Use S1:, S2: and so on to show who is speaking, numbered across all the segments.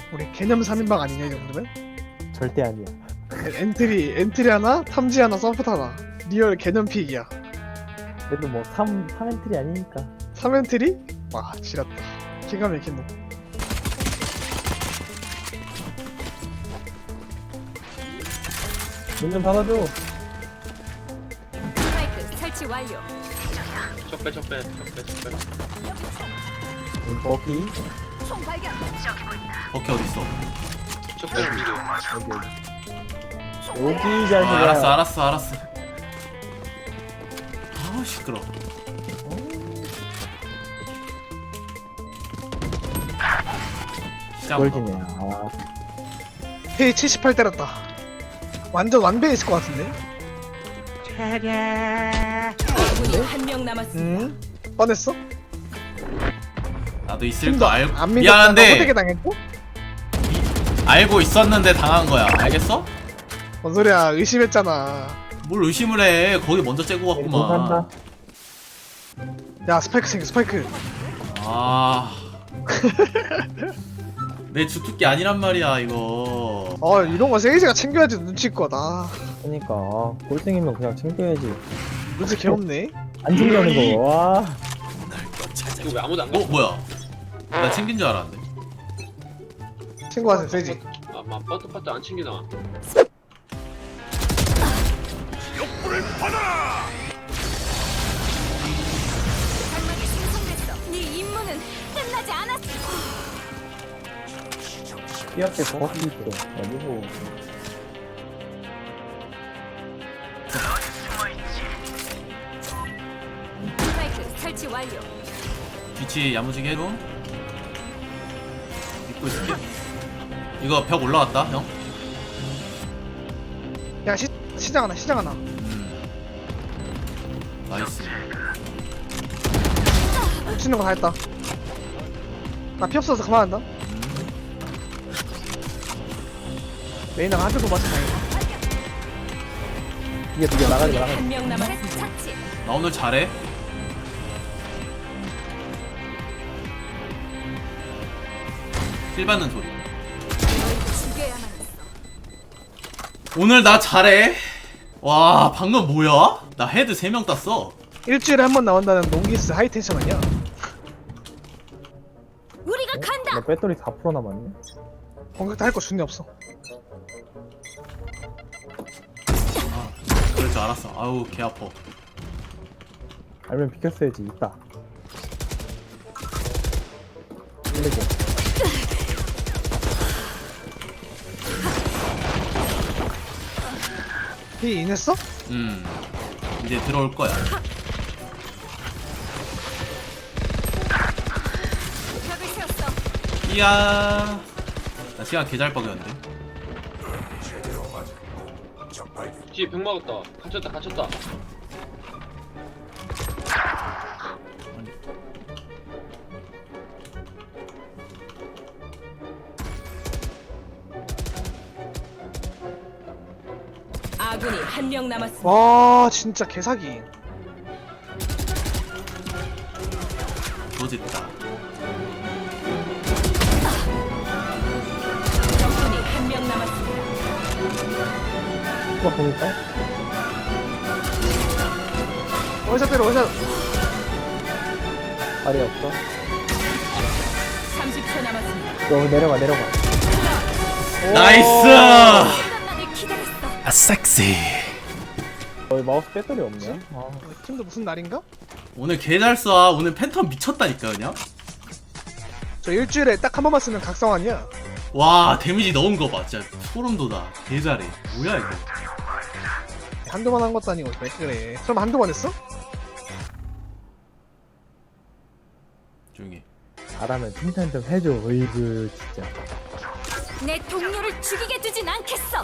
S1: 우리 개념 3인방 아니냐 이 정도면?
S2: 절대 아니야.
S1: 엔트리 하나, 탐지 하나, 서포트 하나. 리얼 개념 픽이야.
S2: 그래도 뭐 3엔트리 아니니까.
S1: 3엔트리? 와 지렸다. 기가 막힌 놈.
S2: 문 좀 닫아줘.
S3: 스파이크 설치 완료.
S4: 적배.
S2: 거기.
S3: 총 발견.
S5: 오케이 어딨어?
S4: 적배 미드.
S2: 여기 자식아.
S5: 알았어. 아우 시끄러.
S2: 꼴찌네. 아,
S1: 페이 78 때렸다. 완전 완배에 있을 것 같은데?
S3: 아군이 한 명 남았습니다.
S1: 응? 뻔했어?
S5: 나도 있을
S1: 좀더
S5: 거 알고
S1: 안 믿었다가 호되게
S5: 미안한데
S1: 당했고?
S5: 알고 있었는데 당한 거야. 알겠어?
S1: 뭔 소리야 의심했잖아.
S5: 뭘 의심을 해? 거기 먼저 째고
S2: 못
S5: 갔구만.
S2: 산다.
S1: 야 스파이크 생겨 스파이크.
S5: 아. 내 주특기 아니란 말이야 이거.
S1: 이런 거 세이지가 챙겨야지 눈치껏.
S2: 그니까 꼴등이면 그냥 챙겨야지.
S1: 눈치 개없네.
S2: 안 챙겨하는 거. 와.
S4: 이거 왜 아무도 안 가?
S5: 뭐야? 나 챙긴 줄 알았는데.
S1: 친구한테 세이지.
S4: 아마 버터파트 안 챙기나?
S3: 장막이 생성됐어. 네 임무는 끝나지 않았어.
S2: 피 앞에 거기 있어. 어디고?
S3: 스파이크 설치 완료.
S5: 뒤치 야무지게 해줘. 믿고 있을게. 이거 벽 올라갔다 형.
S1: 야 시장 하나.
S5: 나이스.
S1: 놓치는 거 다 했다. 나 피 없어서 그만한다. 레이나가 한 대도 맞지 다행이다.
S2: 이게 나가지 마.
S3: 한 명 남았습니다. 착지.
S5: 나 오늘 잘해. 힐 받는 소리.
S3: 널 죽여야만 했어.
S5: 오늘 나 잘해. 와 방금 뭐야? 나 헤드 3명 땄어.
S1: 일주일에 한 번 나온다는 농기스 하이텐션 아니야?
S3: 우리가 간다.
S2: 나 배터리 4% 남았네.
S1: 공격도 할 거 준비 없어.
S5: 그럴 줄 알았어. 아우 개 아파.
S2: 알면 비켰어야지. 있다. 이렇게.
S1: 피 인했어?
S5: 이제 들어올 거야.
S3: 벽을 세웠어.
S5: 이야. 나 시간 개 잘 뻐겼는데.
S4: 뒤에 벽 막았다. 갇혔다.
S3: 아군이 한 명 남았습니다.
S1: 와 진짜 개사기.
S5: 조짓다.
S3: 적군이 한 명 남았습니다.
S2: 누가 보니까?
S1: 원샷 때려 원샷.
S2: 발이 없어.
S3: 30초 남았습니다.
S2: 너 내려가.
S5: 나이스.
S3: 시간만을 기다렸어.
S5: 아 섹시.
S2: 마우스 배터리 없네. 아,
S1: 팀도 무슨 날인가?
S5: 오늘 개 잘 쏴. 오늘 팬텀 미쳤다니까 그냥.
S1: 저 일주일에 딱 한 번만 쓰는 각성환이야.
S5: 와 데미지 넣은 거 봐. 진짜 소름 돋아. 개 잘해. 뭐야 이거.
S1: 한두 번 한 것도 아니고 왜 그래. 그럼 한두 번 했어?
S5: 조용히.
S2: 잘하면 칭찬 좀 해줘. 어이구 진짜.
S3: 내 동료를 죽이게 두진 않겠어.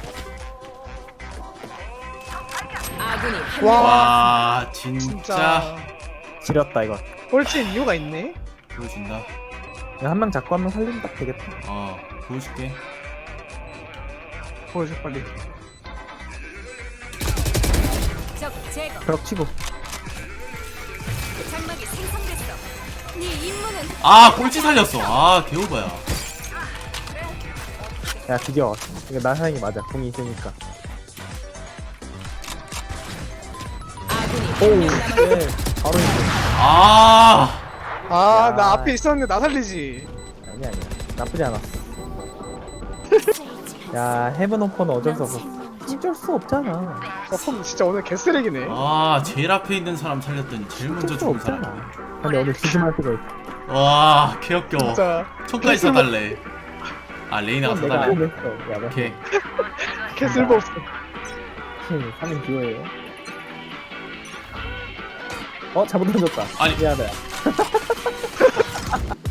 S3: 아군이 한
S1: 와.
S3: 명.
S5: 와 진짜,
S1: 진짜.
S2: 지렸다 이거.
S1: 꼴찌인 이유가 있네.
S5: 보여준다.
S2: 한 명 잡고 한 명 살리면 딱 되겠다.
S5: 보여줄게.
S1: 보여줘 빨리.
S3: 적 제거.
S2: 벽 치고.
S3: 장막이 생성됐어. 네 임무는
S5: 꼴찌 살렸어. 개오바야.
S2: 야 드디어 이거 나 사는 게 맞아. 궁이 있으니까. 오, 네, 바로 있네.
S5: 아
S1: 아,
S2: 야.
S1: 나 앞에 있었는데 나 살리지.
S2: 아니야. 나쁘지 않았어. 야 헤븐 오퍼는 어쩔 수 없어. 어쩔 수 없잖아.
S1: 폼 진짜 오늘 개쓰레기네.
S5: 아, 제일 앞에 있는 사람 살렸더니 제일 먼저
S2: 어쩔 수
S5: 죽은 사람.
S2: 없잖아. 근데 오늘 조심할 수가 있어.
S5: 와, 개역겨워.
S1: 진짜
S5: 총까지 사달래. 아, 레이나가
S2: 내가
S5: 사달래.
S2: 포기했어. 야, 나
S5: 오케이.
S1: 개 쓸모없어.
S2: 3인 듀오예요. 잘못 던졌다.
S5: 아니.
S2: 미안해.